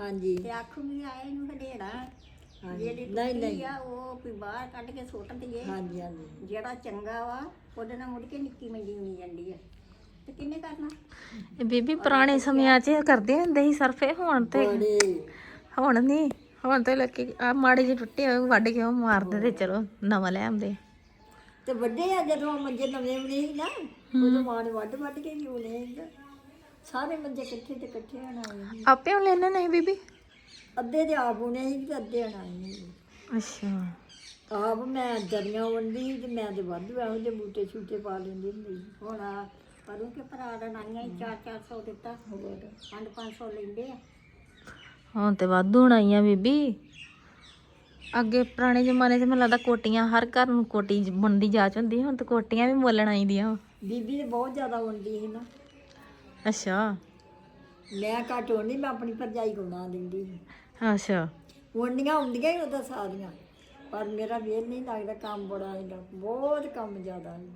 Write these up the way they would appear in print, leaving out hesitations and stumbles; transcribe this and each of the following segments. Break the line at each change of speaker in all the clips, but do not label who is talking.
ਹਾਂਜੀ
ਤੇ ਆਖੂਗੀ ਆਏ ਨੂੰ ਹਡੇੜਾ
ਹਾਂਜੀ
ਜਿਹੜੀ
ਨਹੀਂ
ਟੁੱਟੀ
ਨਹੀਂ
ਆ ਉਹ ਵੀ ਬਾਹਰ ਕੱਢ ਕੇ ਸੁੱਟ ਦਈਏ।
ਹਾਂਜੀ ਹਾਂਜੀ
ਜਿਹੜਾ ਚੰਗਾ ਵਾ ਉਹਦੇ ਨਾਲ ਮੁੜ ਕੇ ਨਿੱਕੀ ਮੰਜੀ ਹੋਈ ਜਾਂਦੀ ਆ ਤੇ ਕਿੰਨੇ ਕਰਨਾ।
ਇਹ ਬੀਬੀ ਪੁਰਾਣੇ ਸਮਿਆਂ 'ਚ ਕਰਦੇ ਹੁੰਦੇ ਸੀ ਸਰਫੇ, ਹੁਣ ਤੇ
ਬੜੇ
ਹੁਣ ਨਹੀਂ, ਹੁਣ ਤੇ ਲੋਕੀ ਆ ਮਾੜੇ ਜਿਹੇ ਟੁੱਟੇ ਹੋਏ ਵੱਢ ਕੇ ਉਹ ਮਾਰਦੇ ਤੇ ਚਲੋ ਨਵਾਂ ਲੈ ਆਉਂਦੇ।
ਤੇ ਵੱਡੇ ਆ ਜਦੋਂ ਮੰਜੇ ਨਵੇਂ ਬਣੇ ਸੀ ਨਾ ਉਦੋਂ ਮਾਂ ਨੇ ਵੱਢ ਕੇ ਵੀ ਉਹਨੇ ਸਾਰੇ ਮੰਜੇ ਇਕੱਠੇ ਤੇ ਇਕੱਠੇ ਬਣਾਏ ਸੀ।
ਆਪੇ ਹੁਣ ਲੈਣੇ ਨਹੀਂ ਬੀਬੀ?
ਅੱਧੇ ਦੇ ਆਪ ਬੁਣੇ ਸੀ ਤੇ ਅੱਧੇ ਬਣਾਏ ਸੀ।
ਅੱਛਾ।
ਆਪ ਮੈਂ ਦਰੀਆਂ ਵੰਡੀ ਸੀ ਤੇ ਮੈਂ ਤੇ ਵਾਧੂ ਇਹੋ ਜਿਹੇ ਬੂਟੇ ਛੂਟੇ ਪਾ ਲੈਂਦੀ ਹੁੰਦੀ ਸੀ।
ਹੁਣ ਪਰੂ ਕੇ ਭਰਾ ਦਾ ਨਾਨੀਆਂ ਹੀ 400 ਦਿੱਤਾ,
ਹੋਰ
500 ਲੈਂਦੇ ਆ।
ਹੁਣ ਤੇ ਵਾਧੂ ਹੋਣਾਈਆਂ ਬੀਬੀ। ਅੱਗੇ ਪੁਰਾਣੇ ਜ਼ਮਾਨੇ 'ਚ ਮੈਨੂੰ ਲੱਗਦਾ ਕੋਟੀਆਂ ਹਰ ਘਰ ਨੂੰ ਕੋਟੀ ਬਣਦੀ ਜਾਚ ਹੁੰਦੀ, ਹੁਣ ਤੇ ਕੋਟੀਆਂ ਵੀ ਮੁੱਲਣ ਆਈਦੀਆਂ।
ਬੀਬੀ ਤੇ ਬਹੁਤ ਜ਼ਿਆਦਾ ਵੰਡੀ ਸੀ ਨਾ।
ਅੱਛਾ
ਮੈਂ ਘੱਟ ਵੰਡੀ, ਮੈਂ ਆਪਣੀ ਭਰਜਾਈ ਕੋਲ ਨਾ ਦਿੰਦੀ ਸੀ।
ਅੱਛਾ।
ਵੰਡੀਆਂ ਹੁੰਦੀਆਂ ਹੀ ਉਹਦਾ ਸਾਰੀਆਂ, ਪਰ ਮੇਰਾ ਵੇਲ ਨਹੀਂ ਲੱਗਦਾ, ਕੰਮ ਬੜਾ ਹੈਗਾ, ਬਹੁਤ ਕੰਮ ਜ਼ਿਆਦਾ ਹੈਗਾ।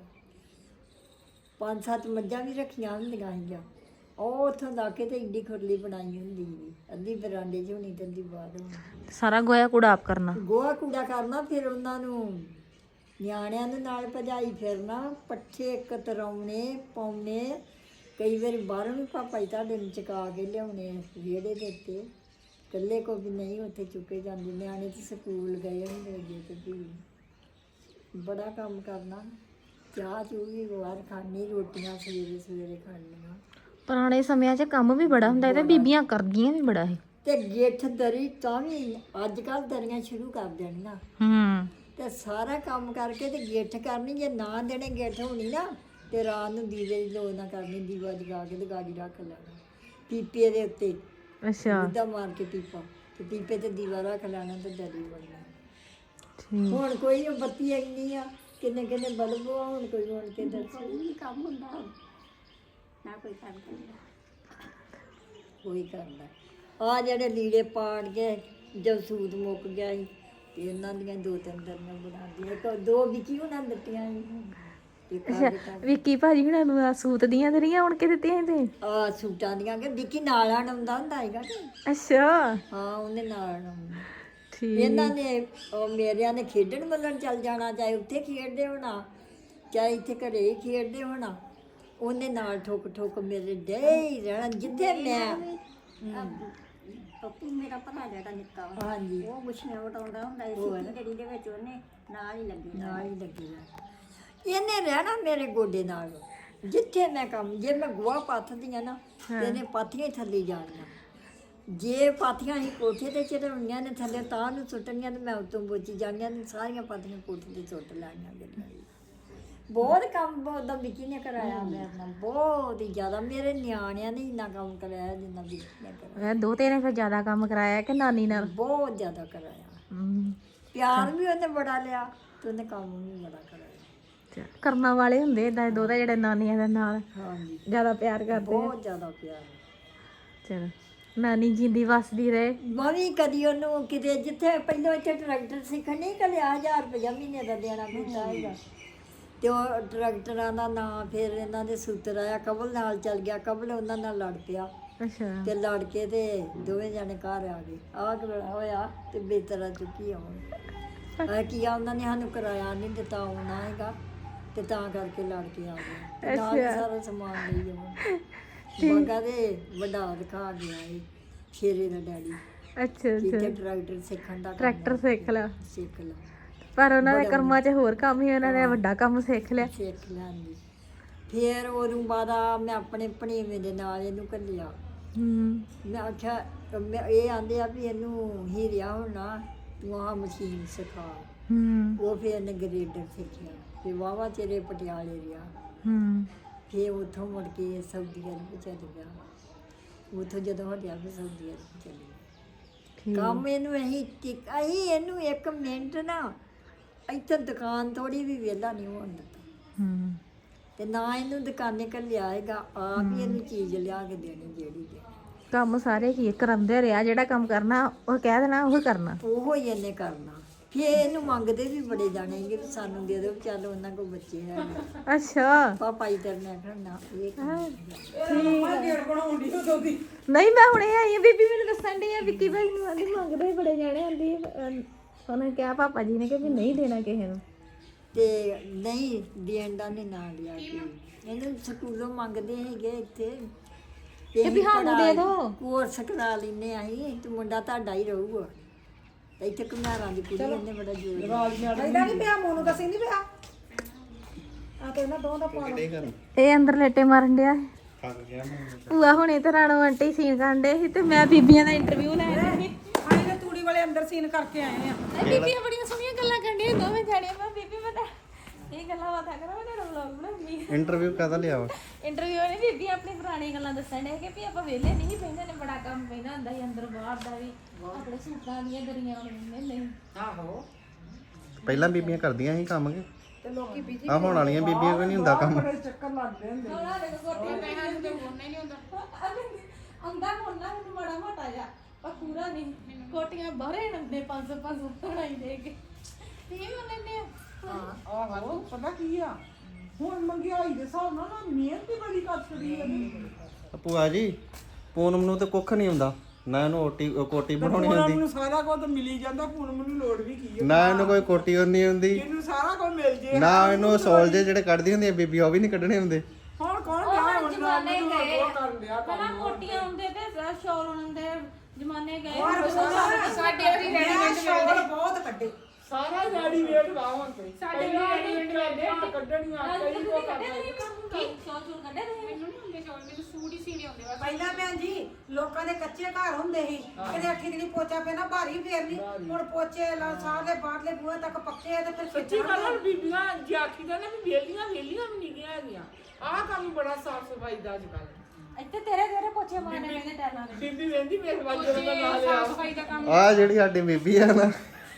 5-7 ਮੱਝਾਂ ਵੀ ਰੱਖੀਆਂ ਹੁੰਦੀਆਂ ਸੀਗੀਆਂ। ਉਹ ਉੱਥੋਂ ਲਾ ਕੇ ਤੇ ਇੱਡੀ ਖੁਰਲੀ ਬਣਾਈ ਹੁੰਦੀ ਸੀ, ਅੱਧੀ ਬਰਾਂਡੇ 'ਚ ਹੋਣੀ ਤੇ ਅੱਧੀ ਬਾਹਰ ਹੋਣੀ।
ਸਾਰਾ ਗੋਇਆ ਕੂੜਾ ਆਪ ਕਰਨਾ?
ਗੋਹਾ ਕੂੜਾ ਕਰਨਾ, ਫਿਰ ਉਹਨਾਂ ਨੂੰ ਨਿਆਣਿਆਂ ਦੇ ਨਾਲ ਭਜਾਈ ਫਿਰਨਾ, ਪੱਠੇ ਕਤਰਾਉਣੇ ਪਾਉਣੇ। ਕਈ ਵਾਰੀ ਬਾਹਰੋਂ ਵੀ ਪਾਪਾ ਜੀ ਤੁਹਾਡੇ ਨੂੰ ਚੁਕਾ ਕੇ ਲਿਆਉਣੇ ਵਿਹੜੇ ਦੇ ਉੱਤੇ। ਇਕੱਲੇ ਕੋ ਵੀ ਨਹੀਂ ਉੱਥੇ ਚੁੱਕੇ ਜਾਂਦੇ, ਨਿਆਣੇ ਤੇ ਸਕੂਲ ਗਏ ਹੁੰਦੇ ਅੱਗੇ ਤੇ ਵੀ ਬੜਾ ਕੰਮ ਕਰਨਾ। ਚਾਹ ਚੂਹ ਵੀ ਬਾਹਰ ਖਾਣੀ, ਰੋਟੀਆਂ ਸਵੇਰੇ ਸਵੇਰੇ ਖਾਣੀਆਂ।
ਪੁਰਾਣੇ ਸਮਿਆਂ 'ਚ ਕੰਮ ਵੀ ਬੜਾ ਹੁੰਦਾ ਤੇ ਬੀਬੀਆਂ ਕਰਦੀਆਂ ਵੀ ਬੜਾ ਸੀ।
ਤੇ ਗਿੱਠ ਦਰੀ ਤਾਂ ਵੀ ਅੱਜ ਕੱਲ੍ਹ ਦਰੀਆਂ ਸ਼ੁਰੂ ਕਰ ਦੇਣੀਆਂ ਤੇ ਸਾਰਾ ਕੰਮ ਕਰਕੇ ਤੇ ਗਿੱਠ ਕਰਨੀ। ਜੇ ਨਾ ਦੇਣੇ ਗਿੱਠ ਹੋਣੀ ਨਾ ਤੇ ਰਾਤ ਨੂੰ ਦੀਵੇ ਦੀ ਲੋੜ ਨਾ ਕਰਨੀ, ਦੀਵਾ ਜਗਾ ਕੇ ਤੇ ਗਾੜੀ ਰੱਖ ਲੈਣਾ ਪੀਪੇ ਦੇ ਉੱਤੇ।
ਅੱਛਾ
ਜਿੱਦਾਂ ਮਾਰ ਕੇ ਪੀਪਾ ਤੇ ਪੀਪੇ ਤੇ ਦੀਵਾ ਰੱਖ ਲੈਣਾ ਤੇ ਦਰੀ ਬਣਨਾ।
ਠੀਕ।
ਹੁਣ ਕੋਈ ਉਹ ਬੱਤੀ ਇੰਨੀ ਆ, ਕਿੰਨੇ ਕਿੰਨੇ ਬਲਬ ਆ, ਹੁਣ ਕੋਈ ਹੁਣ ਕੇ ਦੱਸ
ਕੋਈ ਨਹੀਂ ਕੰਮ ਹੁੰਦਾ ਹੁਣ, ਨਾ ਕੋਈ ਕੰਮ ਕਰਦਾ।
ਕੋਈ ਕਰਦਾ। ਆ ਜਿਹੜੇ ਲੀੜੇ ਪਾੜ ਗਏ ਜਦ ਸੂਤ ਮੁੱਕ ਗਿਆ ਸੀ ਤੇ ਇਹਨਾਂ ਦੀਆਂ 2-3 ਦਰੀਆਂ ਬਣਾਉਂਦੀਆਂ, ਇੱਕ 2 ਵਿੱਕੀ ਉਹਨਾਂ ਨੇ ਦਿੱਤੀਆਂ ਸੀ। ਇੱਕ
ਵਿੱਕੀ ਭਾਜੀ ਹੁਣਾਂ ਨੂੰ ਆਹ ਸੂਤ ਦੀਆਂ ਦਰੀਆਂ ਉਣ ਕੇ ਦਿੱਤੀਆਂ ਤੇ
ਆ ਸੂਟਾਂ ਦੀਆਂ ਕਿ ਵਿੱਕੀ ਨਾਲ ਆਉਂਦਾ ਹੁੰਦਾ ਹੈਗਾ ਕਿ
ਅੱਛਾ
ਹਾਂ ਉਹਨੇ ਨਾਲ ਆਉਣਾ।
ਠੀਕ।
ਇਹਨਾਂ ਨੇ ਮੇਰਿਆਂ ਨੇ ਖੇਡਣ ਮੱਲਣ ਚੱਲ ਜਾਣਾ, ਚਾਹੇ ਉੱਥੇ ਖੇਡਦੇ ਹੋਣਾ ਚਾਹੇ ਇੱਥੇ ਘਰੇ ਹੀ ਖੇਡਦੇ ਹੋਣਾ, ਉਹਨੇ ਨਾਲ ਠੁੱਕ ਠੁੱਕ ਮੇਰੇ ਡੇ ਹੀ ਰਹਿਣਾ ਜਿੱਥੇ ਮੈਂ।
ਪੱਪੂ ਮੇਰਾ ਭਰਾ ਜਿਹੜਾ ਨਿੱਕਾ ਵਾ,
ਹਾਂਜੀ
ਉਹ ਗੁੱਛੀਆਂ ਵਟਾਉਂਦਾ ਹੁੰਦਾ ਸੀ ਸਿੱਧੀ ਗੜੀ ਦੇ ਵਿੱਚ, ਉਹਨੇ ਨਾਲ ਹੀ ਲੱਗੀ
ਨਾਲ ਹੀ ਲੱਗੀ ਰਹਿਣਾ। ਇਹਨੇ ਰਹਿਣਾ ਮੇਰੇ ਗੋਡੇ ਨਾਲ, ਜਿੱਥੇ ਮੈਂ ਕੰਮ, ਜੇ ਮੈਂ ਗੋਹਾ ਪਾਥਦੀਆਂ ਨਾ ਤੇ ਇਹਨੇ ਪਾਥੀਆਂ ਹੀ ਥੱਲੇ ਜਾਣੀਆਂ। ਜੇ ਪਾਥੀਆਂ ਹੀ ਕੋਠੇ ਤੇ ਚੜਾਉਣੀਆਂ ਨੇ ਥੱਲੇ ਤਾਂ ਨੂੰ ਸੁੱਟਣੀਆਂ ਤੇ ਮੈਂ ਉੱਤੋਂ ਬੋਚੀ ਜਾਣੀਆਂ ਨੇ, ਸਾਰੀਆਂ ਪਾਥੀਆਂ ਕੋਠੇ ਤੇ ਸੁੱਟ ਲੈਣੀਆਂ ਗੱਡੀਆਂ। ਬਹੁਤ ਕੰਮ ਉਹਦਾ ਵਿੱਕੀ ਨੇ ਕਰਾਇਆ ਮੇਰੇ ਨਾਲ, ਬਹੁਤ ਹੀ ਜ਼ਿਆਦਾ। ਮੇਰੇ ਨਿਆਣਿਆਂ ਨੇ ਇੰਨਾ ਕੰਮ ਕਰਾਇਆ ਜਿੰਨਾ ਵਿੱਕੀ ਨੇ ਕਰਾਇਆ।
ਦੋਤੇ ਨੇ ਫਿਰ ਜ਼ਿਆਦਾ ਕੰਮ ਕਰਾਇਆ ਕਿ ਨਾਨੀ ਨਾਲ?
ਬਹੁਤ ਜ਼ਿਆਦਾ ਕਰਾਇਆ।
ਹਮ,
ਪਿਆਰ ਵੀ ਉਹਨੇ ਬੜਾ ਲਿਆ ਤੇ ਉਹਨੇ ਕੰਮ ਵੀ ਬੜਾ ਕਰਾਇਆ।
ਕਰਨਾ ਵਾਲੇ ਹੁੰਦੇ ਏਦਾਂ ਦੋਤੇ ਜਿਹੜੇ ਨਾਨੀਆਂ ਦੇ ਨਾਲ
ਹਾਂਜੀ
ਜ਼ਿਆਦਾ ਪਿਆਰ ਕਰਦੇ ਆ।
ਬਹੁਤ ਜ਼ਿਆਦਾ ਪਿਆਰ।
ਚਲੋ ਨਾਨੀ ਜਿੰਦੀ ਵਸਦੀ ਰਹੇ।
ਮੈਂ ਵੀ ਕਦੀ ਉਹਨੂੰ ਕਿਤੇ ਜਿੱਥੇ ਪਹਿਲਾਂ ਇੱਥੇ ਟਰੈਕਟਰ ਸਿੱਖਣ ਨਹੀਂ ਘੱਲਿਆ, 1000 ਰੁਪਇਆ ਮਹੀਨੇ ਦਾ ਦੇਣਾ ਪੈਂਦਾ ਹੈਗਾ। ਤੇ ਉਹ ਟਰੈਕਟਰਾਂ ਦਾ ਨਾਂ ਫਿਰ ਇਹਨਾਂ ਦੇ ਸੂਤਰ ਆਇਆ, ਕਬਲ ਨਾਲ ਚੱਲ ਗਿਆ, ਕਬਲ ਉਹਨਾਂ ਨਾਲ ਲੜ ਪਿਆ
ਅੱਛਾ
ਤੇ ਲੜ ਕੇ ਤੇ ਦੋਵੇਂ ਜਾਣੇ ਘਰ ਆ ਗਏ। ਆਹ ਕਿ ਹੋਇਆ ਤੇ ਬੇਤਰਾ ਚੁੱਕੀ ਆਉਣ ਕੀ ਆ, ਉਹਨਾਂ ਨੇ ਸਾਨੂੰ ਕਿਰਾਇਆ ਨਹੀਂ ਦਿੱਤਾ ਆਉਣਾ ਹੈਗਾ ਤੇ ਤਾਂ ਕਰਕੇ ਲੜ ਕੇ ਆ ਗਏ ਤੇ ਨਾਲ ਹੀ ਸਾਰਾ ਸਮਾਨ ਲਈ ਆਉਣ। ਬਾਗਾ ਦੇ ਵੱਡਾ ਦਿਖਾ ਗਿਆ ਇਹ ਸ਼ੇਰੇ ਦਾ ਡੈਡੀ
ਅੱਛਾ
ਕਿਤੇ ਟਰੈਕਟਰ ਸਿੱਖਣ ਦਾ
ਟਰੈਕਟਰ ਸਿੱਖ ਲਾ।
ਸਿੱਖ ਲਾ,
ਪਰ ਉਹਨਾਂ ਦੇ ਕਰਮਾਂ 'ਚ ਹੋਰ ਕੰਮ ਹੀ, ਉਹਨਾਂ ਨੇ ਵੱਡਾ ਕੰਮ ਸਿੱਖ ਲਿਆ।
ਸਿੱਖ ਲੈਂਦੀ। ਫਿਰ ਉਦੋਂ ਬਾਅਦ ਮੈਂ ਆਪਣੇ ਭਣੇਵੇਂ ਦੇ ਨਾਲ ਇਹਨੂੰ ਘੱਲਿਆ। ਮੈਂ ਆਖਿਆ ਇਹ ਆਂਦੇ ਆ ਵੀ ਇਹਨੂੰ ਹੀਰਿਆ ਹੋਣਾ, ਤੂੰ ਆਹ ਮਸ਼ੀਨ ਸਿਖਾ। ਉਹ ਫਿਰ ਇਹਨੇ ਗਰੇਡਰ ਸਿੱਖਿਆ, ਫਿਰ ਵਾਹਵਾ ਚਿਰੇ ਪਟਿਆਲੇ ਰਿਹਾ। ਫਿਰ ਉੱਥੋਂ ਮੁੜ ਕੇ ਸਾਊਦੀ ਅਰਬ ਚੱਲ ਗਿਆ। ਉੱਥੋਂ ਜਦੋਂ ਹਟਿਆ ਫਿਰ ਸਾਊਦੀ ਅਰਬ ਚੱਲ ਗਿਆ। ਕੰਮ ਇਹਨੂੰ ਅਸੀਂ ਇਹਨੂੰ 1 ਮਿੰਟ ਨਾ ਇੱਥੇ ਦੁਕਾਨ ਥੋੜੀ ਵੀ ਵਿਹਲਾ ਨਹੀਂ ਹੋਣ ਦਿੱਤਾ ਤੇ ਨਾ ਇਹਨੂੰ ਦੁਕਾਨੇ ਘੱਲਿਆ ਹੈਗਾ, ਆਪ ਹੀ ਇਹਨੂੰ ਚੀਜ਼ ਲਿਆ ਕੇ ਦੇਣੀ ਜਿਹੜੀ ਦੇਣੀ।
ਕੰਮ ਸਾਰੇ ਕੀ ਕਰਾਉਂਦੇ ਰਿਹਾ, ਜਿਹੜਾ ਕੰਮ ਕਰਨਾ ਉਹ ਕਹਿ ਦੇਣਾ ਉਹ ਕਰਨਾ,
ਉਹੋ ਹੀ ਇਹਨੇ ਕਰਨਾ। ਫਿਰ ਇਹਨੂੰ ਮੰਗਦੇ ਵੀ ਬੜੇ ਜਾਣੇ ਕਿ ਸਾਨੂੰ ਦੇ ਦਿਓ, ਚੱਲ ਉਹਨਾਂ ਕੋਲ ਬੱਚੇ ਹੈ।
ਅੱਛਾ
ਪਾਪਾ ਜੀ ਤੇਰੇ ਨੇ ਕਰਨਾ ਇਹ
ਨਹੀਂ, ਮੈਂ ਹੁਣੇ ਆਈ ਆ, ਬੀਬੀ ਮੈਨੂੰ ਦੱਸਣ ਡਈ ਆ ਵਿੱਕੀ ਭਾਈ ਨੂੰ ਆਂਦੀ ਮੰਗਦੇ ਹੀ ਬੜੇ ਜਾਣੇ ਆਂਦੀ ਉਹਨੇ ਕਿਹਾ ਪਾਪਾ ਜੀ ਨੇ ਕਿ ਵੀ ਨਹੀਂ ਦੇਣਾ ਕਿਸੇ ਨੂੰ
ਤੇ ਨਹੀਂ ਦੇਣ ਦਾ ਨਹੀਂ ਨਾਂ ਲਿਆ ਕਿ ਇਹਨੂੰ ਸਕੂਲੋਂ ਮੰਗਦੇ ਹੈਗੇ ਇੱਥੇ
ਕਿ ਵੀ ਸਾਨੂੰ ਦੇ ਦਿਓ।
ਕੋਰਸ ਕਰਾ ਲੈਨੇ ਅਸੀਂ ਤੇ ਮੁੰਡਾ ਤੁਹਾਡਾ ਹੀ ਰਹੂਗਾ ਤੇ ਇੱਥੇ ਘੁਮਾਰਾਂ ਦੀ ਕੁੜੀ ਇਹਨੇ ਬੜਾ ਜ਼ੋਰ
ਇਹਦਾ ਨਹੀਂ ਪਿਆ ਮੋਨੂੰ ਦਾ ਸਿੰਘ ਨਹੀਂ ਪਿਆ ਆ ਤੇ ਇਹਨਾਂ ਦੋਵਾਂ ਦਾ ਪਾ ਲਓ
ਇਹ ਅੰਦਰ ਲੇਟੇ ਮਾਰਨ ਡਿਆ ਭੂਆ ਹੁਣੇ ਤੇ ਰਾਣੋ ਆਂਟੀ ਸੀਨ ਕਰਦੇ ਸੀ ਤੇ ਮੈਂ ਬੀਬੀਆਂ ਦਾ ਇੰਟਰਵਿਊ ਲੈ ਰਹੀ ਸੀ
ਆਈ ਨੇ ਤੂੜੀ ਵਾਲੇ ਅੰਦਰ ਸੀਨ ਕਰਕੇ ਆਏ ਆ
ਬੀਬੀਆਂ ਬੜੀਆਂ ਸੋਹਣੀਆਂ ਗੱਲਾਂ ਕਰਦੀਆਂ ਦੋਵੇਂ ਜਾਣੀਆਂ ਮੈਂ ਬੀਬੀ ਮੈਂ ਇਹ ਗੱਲਾਂ ਬਾਤਾਂ ਕਰਾਂ ਮੈਂ ਵਲੌਗ ਬਣਾਉਂਦੀ
ਇੰਟਰਵਿਊ ਕਾਹਦਾ ਲਿਆ ਵਾ
ਇੰਟਰਵਿਊ ਨੇ ਬੀਬੀ ਆਪਣੀ ਪੁਰਾਣੀ ਗੱਲਾਂ ਦੱਸਣ ਡੇ ਕਿ ਵੀ ਆਪਾਂ ਵਿਹਲੇ ਨਹੀਂ ਪੈਂਦੇ ਨੇ ਬੜਾ ਕੰਮ ਪੈਂਦਾ ਹੁੰਦਾ ਸੀ ਅੰਦਰ ਬਾਹਰ ਦਾ ਵੀ ਆਪਣੇ ਸੂਟਾਂ ਦੀਆਂ ਦਰੀਆਂ ਹੁੰਦੀਆਂ ਨਹੀਂ
ਆਹੋ
ਪਹਿਲਾਂ ਬੀਬੀਆਂ ਕਰਦੀਆਂ ਸੀ ਕੰਮ ਕੇ
ਤੇ ਲੋਕੀ ਬੀਜੀ
ਆ ਹੋਣ ਵਾਲੀਆਂ ਬੀਬੀਆਂ ਕੋਈ ਨਹੀਂ ਹੁੰਦਾ ਕੰਮ
ਬੜੇ ਚੱਕਰ ਲੱਗਦੇ ਹੁੰਦੇ
ਉਹਨਾਂ ਦੇ ਕੋਟੀਆਂ ਪਹਿਨਾਂ ਨੂੰ ਤੇ ਹੋਣਾ ਹੀ ਨਹੀਂ ਹੁੰਦਾ ਅੰਦਾ ਹੋਣਾ ਮੈਨੂੰ ਬੜਾ ਮੋਟਾ ਜਾ ਪਰ ਪੂਰਾ ਨਹੀਂ ਕੋਟੀਆਂ ਬਾਹਰੇ ਨੰਦੇ 500 ਬਣਾਈ ਦੇ ਕੇ ਤੇ ਇਹ ਉਹਨੇ ਨੇ
ਆਹੋ ਪਤਾ ਕੀ ਆ ਹੁਣ ਮੰਗਿਆਈ ਦੇ ਹਿਸਾਬ ਨਾਲ ਨਾ ਮਿਹਨਤ ਹੀ ਬੜੀ ਕਰ ਛੜੀ ਆ
ਭੂਆ ਜੀ ਪੂਨਮ ਨੂੰ ਤੇ ਕੁੱਖ ਨਹੀਂ ਹੁੰਦਾ ਨਾ ਇਹਨੂੰ ਕੋਟੀ ਬਣਾਉਣੀ ਹੁੰਦੀ
ਮੈਨੂੰ ਸਾਰਾ ਕੁਝ ਮਿਲੀ ਜਾਂਦਾ ਪੂਨਮ ਨੂੰ ਲੋੜ ਵੀ ਕੀ
ਨਾ ਇਹਨੂੰ ਕੋਈ ਕੋਟੀ ਨਹੀਂ ਹੁੰਦੀ
ਇਹਨੂੰ ਸਾਰਾ ਕੁਝ ਮਿਲ ਜੇ
ਨਾ ਇਹਨੂੰ ਸੋਲਜੇ ਜਿਹੜੇ ਕੱਢਦੀ ਹੁੰਦੀਆਂ ਬੀਬੀ ਉਹ ਵੀ ਨਹੀਂ ਕੱਢਣੇ ਹੁੰਦੇ
ਹੁਣ ਕੌਣ ਵਿਆਹ ਹੁਣ
ਜਮਾਨੇ ਗਏ
ਉਹ ਕਰਨ ਦਿਆ
ਪਹਿਲਾਂ ਕੋਟੀਆਂ ਹੁੰਦੇ ਤੇ ਸ਼ੌਲ ਹੁੰਦੇ ਜਮਾਨੇ ਗਏ
ਸਾਡੇ ਵਾਲੀ ਰੈਡੀਮੇਡ ਸ਼ੋਰ ਬਹੁਤ ਕੱਢੇ ਸਾਰਾ ਰੈਡੀਮੇਡ ਵਾ ਹੁਣ ਤੇ ਸਾਡੇ ਵੀ ਰੈਡੀਮੇਡ ਕੱਢੇ ਕੱਢਣੀਆਂ ਕਈ ਕੋ ਕਰਦਾ
ਸ਼ੌਲ ਚੂਲ ਕੱਢੇ ਤੁਸੀਂ
ਮੈਨੂੰ ਨਹੀਂ ਹੁੰਦੇ ਸ਼ੌਲ ਮੈਨੂੰ ਸੂਟ ਹੀ ਸੀਨੇ ਹੁੰਦੇ ਬਸ
ਪਹਿਲਾਂ ਭੈਣ ਜੀ ਲੋਕਾਂ ਦੇ ਕੱਚੇ ਘਰ ਹੁੰਦੇ ਸੀ ਕਿਤੇ ਅੱਠੀ ਦਿਨੀ ਪੋਚਾ ਪੈਣਾ ਭਾਰੀ ਫੇਰਨੀ ਹੁਣ ਪੋਚੇ ਸਾਰੇ ਬਾਹਰਲੇ ਬੂਹੇ ਤੱਕ ਪੱਕੇ ਆ ਤੇ ਫਿਰ
ਸੱਚੀ ਗੱਲ ਆ, ਬੀਬੀਆਂ ਜੇ ਆਖੀ ਦਾ ਨਾ ਵੀ ਵੇਲੀਆਂ ਵੀ ਨਹੀਂ ਗਿਆ ਹੈਗੀਆਂ ਆਹ ਕੰਮ ਬੜਾ ਸਾਫ ਸਫਾਈ ਦਾ ਅੱਜ ਕੱਲ
ਇੱਥੇ ਤੇਰੇ ਪੋਚੇ ਮਾਰਨੇ ਪੈਂਦੇ ਟੈਲਾਂ ਦੇ
ਬੀਬੀ ਵੇਂਦੀ ਮੇਰੇ ਵੱਲ ਜਦੋਂ ਦਾ ਨਾਂ ਲਿਆ
ਸਾਫ ਸਫਾਈ ਦਾ ਕੰਮ
ਆ ਜਿਹੜੀ ਸਾਡੀ ਬੀਬੀ ਆ ਨਾ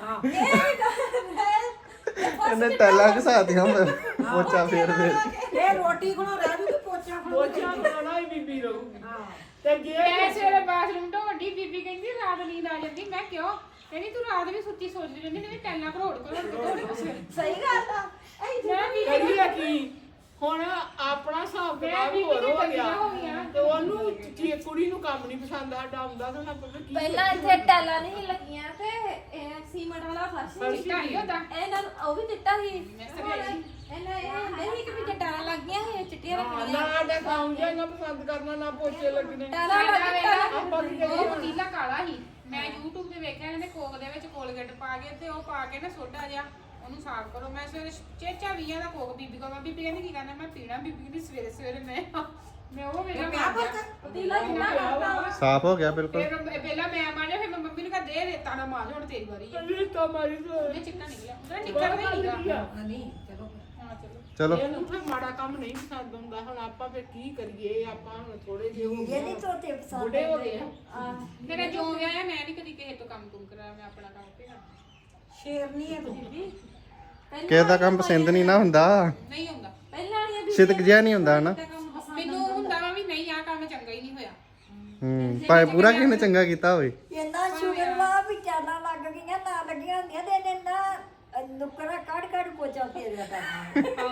ਇਹਨੇ ਟੈਲਾਂ ਘਸਾਤੀਆਂ ਪੋਚਾ ਫੇਰ
ਇਹ ਰੋਟੀ ਕੋਲੋਂ ਰਹਿ ਜੂਗੀ ਪੋਚਾ
ਪੋਚਾ ਬਣਾਉਣਾ ਹੀ ਬੀਬੀ ਰਹੂਗੀ ਤੇ ਜੇ
ਮੈਂ ਸਵੇਰੇ ਬਾਥਰੂਮ ਤੋਂ ਵੱਡੀ ਬੀਬੀ ਕਹਿੰਦੀ ਰਾਤ ਨੀਂਦ ਆ ਜਾਂਦੀ ਮੈਂ ਕਿਉਂ ਕਹਿੰਦੀ ਤੂੰ ਰਾਤ ਵੀ ਸੁੱਤੀ ਸੋਚਦੀ ਰਹਿੰਦੀ ਨੇ ਟੈਲਾਂ ਘਰੋੜ
ਸਹੀ ਗੱਲ ਆ
ਮੈਂ ਵੀ
ਕਰੀਏ ਕੀ ਹੁਣ ਆਪਣਾ ਹਿਸਾਬ ਕਿਤਾਬ ਹੋਰ ਹੋ ਗਿਆ ਤੇ ਉਹਨੂੰ ਕੀ ਕੁੜੀ ਨੂੰ ਕੰਮ ਨਹੀਂ ਪਸੰਦ ਆਡਾ ਆਉਂਦਾ ਤਾਂ ਆਪਾਂ ਕੀ
ਪਹਿਲਾਂ ਇੱਥੇ ਟੈਲਾਂ ਨਹੀਂ ਲੱਗੀਆਂ ਤੇ ਇਹ ਸੀਮੈਂਟ ਵਾਲਾ ਫਰਸ਼ ਸੀ
ਚਿੱਟਾ ਹੀ ਹੁੰਦਾ
ਇਹਨਾਂ ਨੂੰ ਉਹ ਵੀ ਚਿੱਟਾ ਸੀ ਇਹਨਾਂ ਇਹ ਹੁੰਦੇ ਸੀ ਕਿ ਵੀ ਟੈਲਾਂ ਲੱਗ ਗਈਆਂ ਸੀ ਚਿੱਟੀਆਂ ਰੱਖਣੀਆਂ
ਨਾ ਆਡਾ ਕੰਮ ਜਾਂ ਨਾ ਪਸੰਦ ਕਰਨਾ ਨਾ ਪੋਚੇ ਲੱਗਣੇ
ਟੈਲਾਂ ਲੱਗ
ਆਪਾਂ ਕੀ
ਉਹ ਪਤੀਲਾ ਕਾਲਾ ਸੀ ਮੈਂ YouTube ਤੇ ਵੇਖਿਆ ਇਹਨੇ ਕੋਕ ਦੇ ਵਿੱਚ ਕੋਲਗੇਟ ਪਾ ਕੇ ਤੇ ਉਹ ਪਾ ਕੇ ਨਾ ਸੋਡਾ ਜਿਹਾ ਉਹਨੂੰ ਸਾਫ਼ ਕਰੋ ਮੈਂ ਸਵੇਰੇ ਚੇਚਾ 20 ਦਾ ਕੋਕ ਬੀਬੀ ਕੋਲ ਮੈਂ ਬੀਬੀ ਕਹਿੰਦੀ ਕੀ ਕਰਨਾ ਮੈਂ ਪੀਣਾ ਬੀਬੀ ਕਹਿੰਦੀ ਸਵੇਰੇ ਸਵੇਰੇ ਮੈਂ ਉਹ ਵੇਲਾ
ਪਤੀਲਾ ਕਿੰਨਾ ਕਰਦਾ
ਸਾਫ਼ ਹੋ ਗਿਆ ਬਿਲਕੁਲ
ਫਿਰ ਪਹਿਲਾਂ ਮੈਂ ਮਾਰਿਆ ਫਿਰ ਮੈਂ ਮੰਮੀ ਨੂੰ ਕਹਾ ਦੇ ਰੇਤਾ ਨਾ ਮਾਰ ਹੁਣ ਤੇਰੀ ਵਾਰੀ ਹੈ
ਕਹਿੰਦੀ ਤਾਂ ਮਾਰੀ ਤੋਂ
ਉਹਨੇ ਚਿੱਟਾ ਨਿਕਲਿਆ ਉਹਦਾ ਨਿਕਲ ਨਹੀਂ ਹੀਗਾ
ਨਹੀਂ ਚਲੋ
ਹਾਂ ਚਲੋ
ਚਲੋ
ਇਹਨੂੰ ਫਿਰ ਮਾੜਾ ਕੰਮ ਨਹੀਂ ਪਸੰਦ ਹੁੰਦਾ ਹੁਣ ਆਪਾਂ ਫਿਰ ਕੀ ਕਰੀਏ ਆਪਾਂ ਹੁਣ ਥੋੜੇ ਜਿਹੇ ਹੋ
ਇਹ ਨਹੀਂ ਤੋਤੇ ਪਸੰਦ
ਬੁੱਢੇ ਹੋ ਗਏ ਆ
ਮੇਰਾ ਜੋ ਵਿਆਹ ਮੈਂ ਨਹੀਂ ਕਦੀ ਕਿਸੇ ਤੋਂ ਕੰਮ ਕੁਮ ਕਰਾਇਆ ਮੈਂ ਆਪਣਾ ਕੰਮ ਤੇ ਕਰਨਾ
ਸ਼ੇਰਨੀ ਹੈ ਤੁਸੀਂ ਵੀ
ਕਿਸੇ ਦਾ ਕੰਮ ਪਸੰਦ ਨਹੀਂ ਨਾ ਹੁੰਦਾ
ਨਹੀਂ ਹੁੰਦਾ
ਪਹਿਲਾਂ ਵਾਲੀਆਂ
ਸਿਦਕ ਜਿਹਾ ਨਹੀਂ ਹੁੰਦਾ ਨਾ
ਮੈਨੂੰ ਹੁੰਦਾ ਵਾ ਵੀ ਨਹੀਂ ਆ ਕੰਮ ਚੰਗਾ ਹੀ ਨਹੀਂ ਹੋਇਆ
ਭਾਵੇਂ ਪੂਰਾ ਕਿਸੇ ਨੇ ਚੰਗਾ ਕੀਤਾ ਹੋਵੇ
ਇੰਨਾ ਸ਼ੁਗਰ ਵਾ ਵੀ ਚਾਲਾਂ ਲੱਗ ਗਈਆਂ ਨਾ ਲੱਗੀਆਂ ਹੁੰਦੀਆਂ ਤੇ ਇਹਨੇ ਨਾ ਨੁਕਰਾ ਕੱਢ ਪੋਚਾ ਫੇਰਿਆ ਕਰਨਾ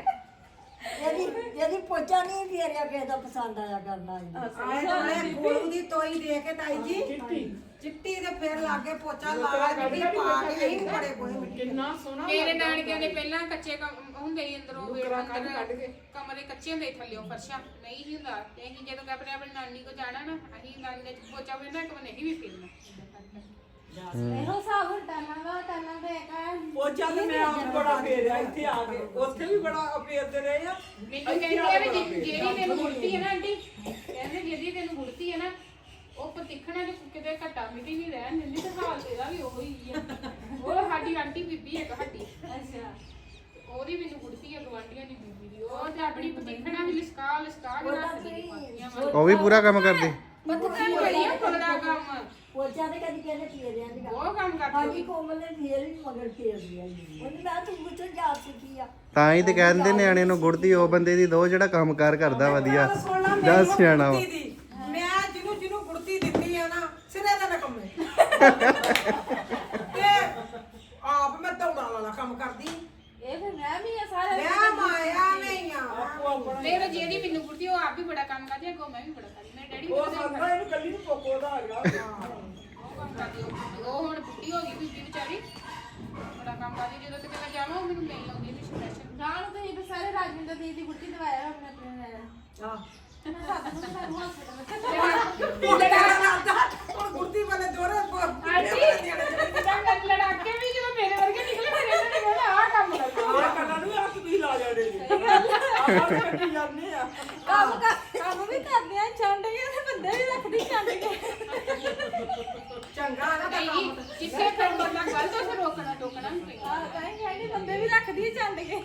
ਇਹਦੀ ਪੋਚਾ ਨਹੀਂ ਫੇਰਿਆ ਕਿਸੇ ਦਾ ਪਸੰਦ ਆਇਆ ਕਰਨਾ
ਆਏ ਨਾਲੇ ਗੋਲੂ ਦੀ ਤੋਈ ਦੇ ਕੇ ਤਾਈ ਜੀ ਚਿੱਟੀ ਤੇ ਫਿਰ ਲਾਗੇ ਪੋਚਾ ਲਾ ਜਿਹੜੀ ਪਾ ਕੇ ਅਸੀਂ ਬੜੇ ਕੋਈ
ਕਿੰਨਾ ਸੋਹਣਾ
ਮੇਰੇ ਨਾਨਕਿਆਂ ਦੇ ਪਹਿਲਾਂ ਕੱਚੇ ਹੁੰਦੇ ਸੀ ਅੰਦਰੋਂ ਅੰਦਰ ਕਮਰੇ ਕੱਚੇ ਹੁੰਦੇ ਸੀ ਥੱਲਿਓਂ ਫਰਸ਼ਾਂ ਨਹੀਂ ਸੀ ਹੁੰਦਾ ਤੇ ਅਸੀਂ ਜਦੋਂ ਆਪਣੇ ਆਪਣੀ ਨਾਨੀ ਕੋ ਜਾਣਾ ਨਾ ਅਸੀਂ ਨਾਨੀ ਦੇ ਪੋਚਾ ਫੇਰਨਾ ਇੱਕ ਵਾਰ ਨਹੀਂ ਵੀ ਫੇਰਨਾ
ਇਹੋ ਹਿਸਾਬ ਟੈਲਾਂ ਦੇ
ਪੋਚਾ ਤੇ ਮੈਂ ਆਪ ਬੜਾ ਫੇਰਿਆ ਇੱਥੇ ਆ ਕੇ ਉੱਥੇ ਵੀ ਬੜਾ ਫੇਰਦੇ ਰਹੇ ਆ
ਮੈਨੂੰ ਕਹਿੰਦੇ ਆ ਵੀ ਜਿਹੜੀ ਤੈਨੂੰ ਗੁੜਤੀ ਹੈ ਨਾ ਆਂਟੀ ਕਹਿੰਦੇ ਜਿਹਦੀ ਤੈਨੂੰ ਗੁੜਤੀ ਹੈ ਨਾ ਉਹ ਪਤਿਖਣਾ ਜੇ ਕਿਤੇ ਘਟਾ ਮਿੱਟੀ ਨਹੀਂ ਰਹਿਣ ਦਿੰਦੀ ਤੇ ਹਾਲ ਤੇਰਾ ਵੀ ਉਹੀ ਆ ਉਹ ਸਾਡੀ ਆਂਟੀ ਬੀਬੀ ਇੱਕ ਸਾਡੀ
ਅੱਛਾ
ਉਹਦੀ ਮੈਨੂੰ ਗੁੜਤੀ ਹੈ ਗਵਾਂਢੀਆਂ ਦੀ ਬੀਬੀ ਦੀ ਉਹ ਤੇ ਆਪਣੀ ਪਤਿਖਣਾ ਵੀ ਲਿਸਕਾ ਕੇ ਰੱਖਦੀ ਪਾਤੀਆਂ
ਉਹ ਵੀ ਪੂਰਾ ਕੰਮ ਕਰਦੀ
ਪਤਿਖਣਾ ਬੜੀ ਆ ਕੋਲਦਾ ਕੰਮ
ਪੋਚਾ ਤੇ ਕਦੀ ਕਹਿੰਦੇ ਫੇਰਿਆ ਨਹੀਂ
ਉਹ ਕੰਮ ਕਰਦੀ
ਸਾਡੀ ਕੋਮਲ ਨੇ ਫੇਰ ਵੀ ਮਗਰ ਫੇਰ ਲਿਆ ਉਹਨੇ ਮੈਂ ਤੂੰ ਪੁੱਛੋ ਜਾ ਸਿੱਖੀ ਆ
ਤਾਂ ਹੀ ਤੇ ਕਹਿੰਦੇ ਨਿਆਣੇ ਨੂੰ ਗੁੜਦੀ ਉਹ ਬੰਦੇ ਦੀ ਦੋ ਜਿਹੜਾ ਕੰਮਕਾਰ ਕਰਦਾ ਵਧੀਆ ਦੱਸ ਸਿਆਣਾ ਵਾ
ਮੈਂ ਜਿਹਨੂੰ ਗੁੜਤੀ ਦਿੱਤੀ ਆ ਨਾ ਸਿਰੇ ਦਾ ਨਾ ਕੰਮੇ ਤੇ ਆਪ ਮੈਂ ਦੌੜਾਂ ਵਾਲਾ ਕੰਮ ਕਰਦੀ
ਇਹ ਫਿਰ ਮੈਂ ਵੀ ਆ ਸਾਰੇ
ਮੈਂ ਮਾਇਆ ਨਹੀਂ ਆ
ਮੇਰੇ ਜਿਹਦੀ ਮੈਨੂੰ ਗੁੜਤੀ ਉਹ ਆਪ ਵੀ ਬੜਾ ਕੰਮ ਕਰਦੀ ਅੱਗੋਂ ਮੈਂ ਵੀ ਬੜਾ ਕਰਦੀ ਮੇਰੇ ਡੈਡੀ ਵੀ
ਉਹ
ਬੜਾ
ਸੰਦਾ ਇਹਨੂੰ ਕੱਲੀ ਨੂੰ ਪੋਕੋ ਦਾ ਆ ਗਿਆ
ਦੀ ਗੁੱਟੀ ਦਵਾਇਆ ਆਪਣੇ ਆਪਣੇ ਨੇ
ਆਹ
ਮੈਂ ਸਾਥ ਨੂੰ ਸਾਨੂੰ ਹਸਪੀਟਲ
ਹੁਣ ਗੁਰਦੀ ਵਾਲੇ ਦੋਰੇ
ਲੜਾਕੇ ਵੀ ਜਦੋਂ ਮੇਰੇ ਵਰਗੇ ਨਿਕਲੇ ਫਿਰ ਇਹਨਾਂ ਨੇ ਕਹਿਣਾ ਆਹ ਕੰਮ ਕਰੋ
ਆ ਕੰਨਾਂ ਨੂੰ ਹੱਥ ਵੀ ਲਾ ਜਾਣੇ ਨੇ ਆਹ ਕੱਢੀ ਜਾਂਦੇ ਆ
ਕੰਮ ਵੀ ਕਰਦੇ ਆ ਛੱਡ ਕੇ ਤੇ ਬੰਦੇ ਵੀ ਰੱਖਦੀ ਛੱਡ ਕੇ
ਚੰਗਾ ਨਾ ਤਾਂ
ਨਹੀਂ ਜਿੱਥੇ ਫਿਰ ਬੰਦਾ ਗਲਤ ਉਸੇ ਰੋਕਣਾ ਟੋਕਣਾ ਨਹੀਂ ਪੈਂਦਾ
ਆ ਕਹਿੰਦੇ ਬੰਦੇ ਵੀ ਰੱਖਦੀ ਛੱਡ ਕੇ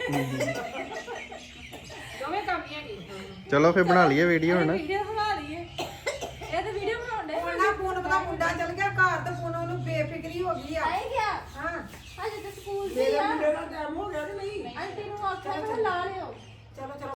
ਦੋਵੇਂ ਕੰਮ ਹੀ ਹੈਗੇ
ਚਲੋ ਫਿਰ ਬਣਾ ਲਈਏ ਵੀਡੀਓ ਹੁਣ
ਵੀਡੀਓ ਬਣਾ ਲਈਏ ਇਹ ਤਾਂ ਵੀਡੀਓ ਬਣਾਉਂਦੇ
ਉਹਨਾਂ ਪੂਨਮ ਦਾ ਮੁੰਡਾ ਚਲ ਗਿਆ ਘਰ ਤੇ ਪੂਨਮ ਨੂੰ ਬੇਫਿਕਰੀ ਹੋ ਗਈ ਆ
ਆਈ ਗਿਆ
ਹਾਂ
ਅਜੇ ਤਾਂ ਸਕੂਲ
ਮੇਰੇ
ਤੇ ਆ
ਮੁੰਡੇ ਦਾ ਟਾਈਮ ਹੋ ਗਿਆ ਕਿ ਨਹੀਂ
ਆਂਟੀ ਨੂੰ ਆਖਿਆ ਮੈਂ ਲਾ ਲਿਓ
ਚਲੋ ਚਲੋ